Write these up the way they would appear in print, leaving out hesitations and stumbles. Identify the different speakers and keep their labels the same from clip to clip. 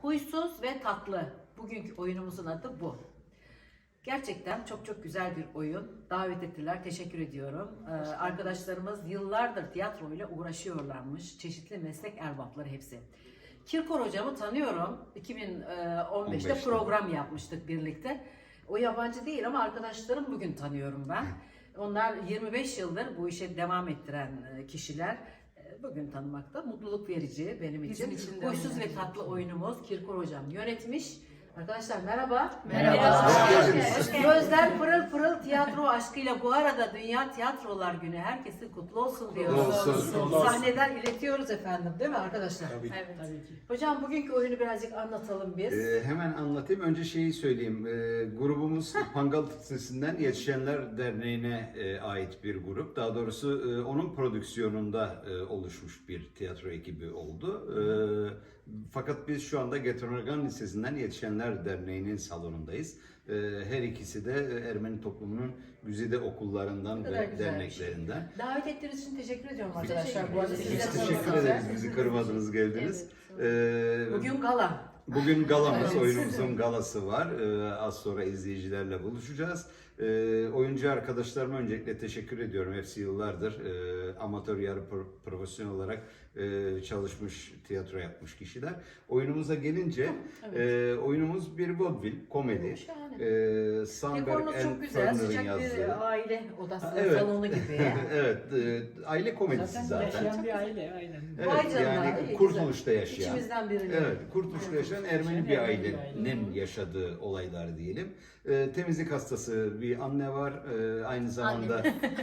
Speaker 1: Huysuz ve tatlı. Bugünkü oyunumuzun adı bu. Gerçekten çok güzel bir oyun. Davet ettiler. Teşekkür ediyorum. Arkadaşlarımız yıllardır tiyatroyla uğraşıyorlarmış. Çeşitli meslek erbapları hepsi. Kirkor hocamı tanıyorum. 2015'te program yapmıştık birlikte. O yabancı değil ama arkadaşlarım bugün tanıyorum ben. Onlar 25 yıldır bu işe devam ettiren kişiler. Bugün tanımakta mutluluk verici benim için. Huysuz ve tatlı oyunumuz Kirkor hocam yönetmiş. Arkadaşlar merhaba.
Speaker 2: Merhaba.
Speaker 1: Gözler pırıl pırıl tiyatro aşkıyla bu arada Dünya Tiyatrolar Günü herkesin kutlu olsun diyoruz. Sahneden iletiyoruz efendim değil mi arkadaşlar?
Speaker 2: Tabii.
Speaker 1: Evet. Hocam bugünkü oyunu birazcık anlatalım biz.
Speaker 2: Hemen anlatayım. Önce şeyi söyleyeyim. Grubumuz Pangal Sesi'nden Yetişenler Derneği'ne ait bir grup. Daha doğrusu onun prodüksiyonunda oluşmuş bir tiyatro ekibi oldu. Fakat biz şu anda Getronagan Lisesi'nden Yetişenler Derneği'nin salonundayız. Her ikisi de Ermeni toplumunun güzide okullarından ve derneklerinden.
Speaker 1: Davet ettiğiniz için teşekkür ediyorum arkadaşlar. Bu arada
Speaker 2: Biz teşekkür ederiz. Bizi kırmadınız, geldiniz.
Speaker 1: Bugün gala.
Speaker 2: Bugün galamız, oyunumuzun galası var. Az sonra izleyicilerle buluşacağız. Oyuncu arkadaşlarıma öncelikle teşekkür ediyorum. Hepsi yıllardır amatör yarı profesyonel olarak çalışmış, tiyatro yapmış kişiler. Oyunumuza gelince, oyunumuz bir vaudeville, komedi.
Speaker 1: Dekorunuz çok güzel, sıcak bir aile odası, salonu gibi.
Speaker 2: Evet, aile komedisi zaten.
Speaker 3: Yaşayan bir aile, aynen.
Speaker 2: Evet, yani Kurtuluş'ta yaşayan.
Speaker 1: İçimizden biri.
Speaker 2: Evet, Kurtuluş'ta yaşayan Ermeni bir ailenin yaşadığı olaylar diyelim. Temizlik hastası bir anne var. Aynı zamanda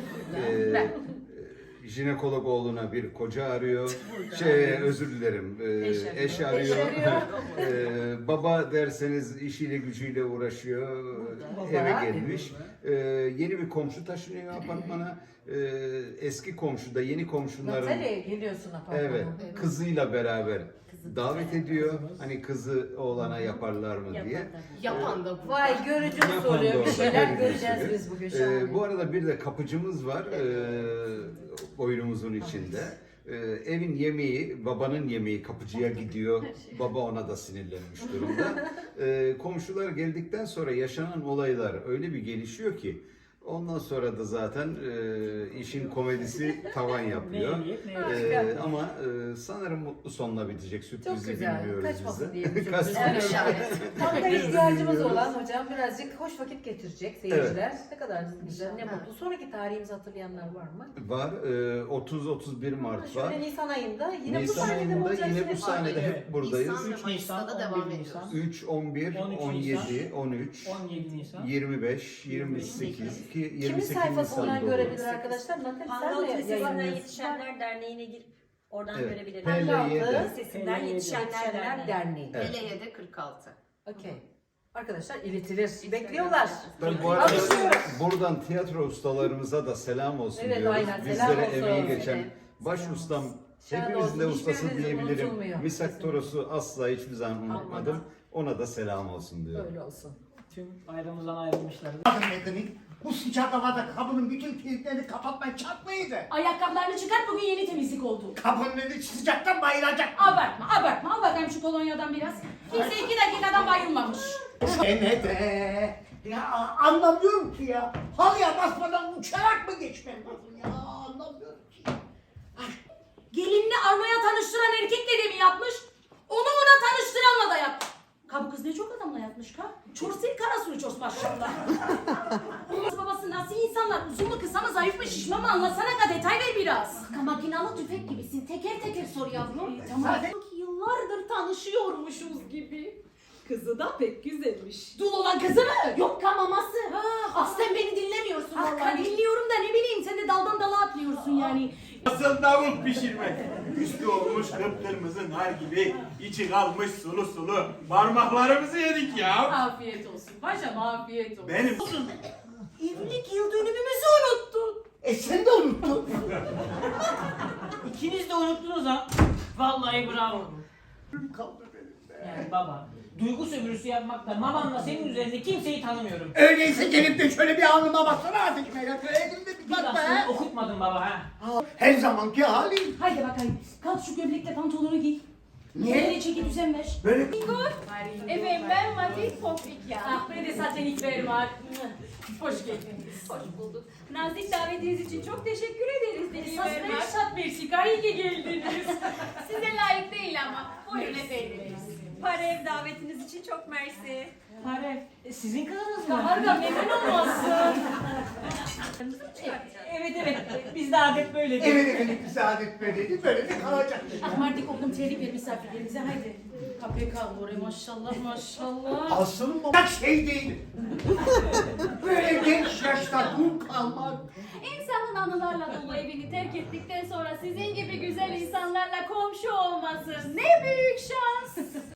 Speaker 2: jinekolog oğluna bir koca arıyor. Özür dilerim. Eş arıyor. Baba derseniz işiyle gücüyle uğraşıyor. Eve gelmiş. Yeni bir komşu taşınıyor apartmana. Eski komşu da yeni komşuların
Speaker 1: geliyorsun apartmana.
Speaker 2: evet, kızıyla beraber davet ediyor. Hani kızı oğlana yaparlar mı diye.
Speaker 4: Yapan da bu.
Speaker 1: Vay görücü usulü bir şeyler göreceğiz biz bugün şahane.
Speaker 2: Bu arada bir de kapıcımız var oyunumuzun içinde. Evin yemeği, babanın yemeği kapıcıya gidiyor. Baba ona da sinirlenmiş durumda. Komşular geldikten sonra yaşanan olaylar öyle bir gelişiyor ki ondan sonra da zaten işin komedisi tavan yapıyor. Ama sanırım mutlu sonla bitecek. Sürprizi
Speaker 1: Çok güzel.
Speaker 2: bilmiyoruz
Speaker 1: Kaçmasın
Speaker 2: biz de.
Speaker 1: diye. Tam da
Speaker 2: Biz de
Speaker 1: ihtiyacımız
Speaker 2: bilmiyoruz.
Speaker 1: olan hocam birazcık hoş vakit getirecek seyirciler. Ne kadar güzel, ne mutlu. Sonraki tarihimizi hatırlayanlar var mı?
Speaker 2: Var. 30-31 Mart var.
Speaker 1: Şöyle Nisan ayında yine
Speaker 2: Nisan
Speaker 1: bu sahnede
Speaker 2: ayında
Speaker 1: olacağız.
Speaker 2: yine bu sahnede hep buradayız.
Speaker 4: Nisan ve
Speaker 3: 3
Speaker 4: Mayıs'ta
Speaker 3: Nisan,
Speaker 4: da
Speaker 3: 11
Speaker 4: devam
Speaker 3: Nisan,
Speaker 4: ediyoruz.
Speaker 2: 3, 11,
Speaker 3: 13
Speaker 2: 17, 13,
Speaker 3: 17 Nisan.
Speaker 2: 25, 28, ki 28
Speaker 1: Kimin sayfasından
Speaker 2: Nisan'da
Speaker 1: görebilir
Speaker 2: olur.
Speaker 1: arkadaşlar? Natal
Speaker 5: Pangal
Speaker 1: sen mi
Speaker 5: Lisesi'nden
Speaker 1: yayınlıyorsun?
Speaker 5: Yetişenler Derneği'ne girip oradan
Speaker 2: Evet.
Speaker 5: görebiliriz.
Speaker 2: PLY'de.
Speaker 5: Lisesinden
Speaker 3: PLY'de.
Speaker 5: Yetişenler
Speaker 1: Yetişenler
Speaker 5: Derneği.
Speaker 1: Derneği.
Speaker 2: Evet.
Speaker 4: Eleye'de 46.
Speaker 1: Okey. Arkadaşlar iletilir. Bekliyorlar.
Speaker 2: Ben bu arada
Speaker 1: Alkışlıyoruz.
Speaker 2: buradan tiyatro ustalarımıza da selam olsun
Speaker 1: Evet,
Speaker 2: diyoruz.
Speaker 1: aynen, selam
Speaker 2: Bizlere
Speaker 1: olsun.
Speaker 2: emeği geçen
Speaker 1: Evet.
Speaker 2: baş ustam,
Speaker 1: Şahane
Speaker 2: hepimizin de
Speaker 1: olsun.
Speaker 2: ustası
Speaker 1: Hiçbirimizin
Speaker 2: diyebilirim.
Speaker 1: unutulmuyor.
Speaker 2: Misak Toros'u asla hiçbir zaman unutmadım. Ona da selam olsun diyorum.
Speaker 1: Öyle olsun.
Speaker 3: Tüm aramızdan ayrılmışlar.
Speaker 6: Medeni, bu sıcak havada kapının bütün kilitlerini kapatman şart mıydı?
Speaker 7: Ayakkabılarını çıkar, bugün yeni temizlik oldu.
Speaker 6: Kapının önü sıcaktan bayılacak.
Speaker 7: Abartma. Al bakayım şu kolonyadan biraz. Kimse 2 dakikadan bayılmamış.
Speaker 6: Gene de. Ya anlamıyorum ki ya. Halıya basmadan uçarak mı geçmem lazım ya? Anlamıyorum ki.
Speaker 7: Gelinini armaya tanıştıran erkekle de mi yapmış? Onu ona tanıştıranla da yapmış. Ka bu kız ne çok adamla yatmış ka. Çorsil karasuru çors başlarında. Babası nasıl insanlar? Uzun mu kısa mı zayıf mı şişman mı anlatsana ka detay ver biraz.
Speaker 8: Ka makinalı tüfek gibisin. Teker teker sor yavrum.
Speaker 7: Tamam.
Speaker 8: Sanki yıllardır tanışıyormuşuz gibi.
Speaker 9: Kızı da pek güzelmiş.
Speaker 7: Dul olan kızı mı?
Speaker 8: Yok ka maması.
Speaker 7: Ah,
Speaker 8: Aslen beni dinlemiyorsun
Speaker 7: ah,
Speaker 8: vallahi.
Speaker 7: dinliyorum da ne bileyim sen de daldan dala atlıyorsun yani.
Speaker 10: Nasıl davul pişirmek? Üstü olmuş kıpkırmızı nar gibi, içi kalmış sulu sulu. Parmaklarımızı yedik ya.
Speaker 7: Afiyet olsun. Paşam afiyet olsun.
Speaker 10: Benim
Speaker 7: Evlilik yıl dönümümüzü unuttun.
Speaker 6: Sen de unuttun.
Speaker 3: İkiniz de unuttunuz ha. Vallahi bravo.
Speaker 6: Kaldı benim be.
Speaker 3: Yani baba, duygu sömürüsü yapmakla mamanla senin üzerinde kimseyi tanımıyorum.
Speaker 6: Öyleyse gelip de şöyle bir alnıma baksana artık Melat. Elimde bir
Speaker 3: Bir
Speaker 6: bak
Speaker 3: lafını
Speaker 6: be.
Speaker 3: okutmadın baba ha.
Speaker 6: Her zamanki halim.
Speaker 7: Haydi bakayım. Kalk şu gömlekle pantolonu giy.
Speaker 6: Niye?
Speaker 7: Çeki düzen ver.
Speaker 6: Böyle
Speaker 8: Efendim ben Mati Topik ya.
Speaker 7: Ah be de zaten ilk ver var. Hoş geldin.
Speaker 8: Hoş bulduk. Nazik davetiniz için çok teşekkür ederiz.
Speaker 7: Esas Reşat Mersika iyi ki geldiniz.
Speaker 8: Size layık değil ama. Buyurun efendim.
Speaker 5: Parev davetiniz için çok mersi.
Speaker 3: Parev. Sizin kızınız mı?
Speaker 7: Harika memnun olmasın.
Speaker 3: Evet. Bizde adet böyledir.
Speaker 6: evet efendim bize adet böyleydi. Böyle de kalacak.
Speaker 7: Ahmardik oğlum terlik ver misafirlerimize haydi. KPK oraya maşallah maşallah.
Speaker 6: Asıl olacak şey değil. Böyle genç yaşta dul kalmak.
Speaker 8: İnsanın anılarla dolu evini terk ettikten sonra sizin gibi güzel insanlarla komşu olması ne büyük şans.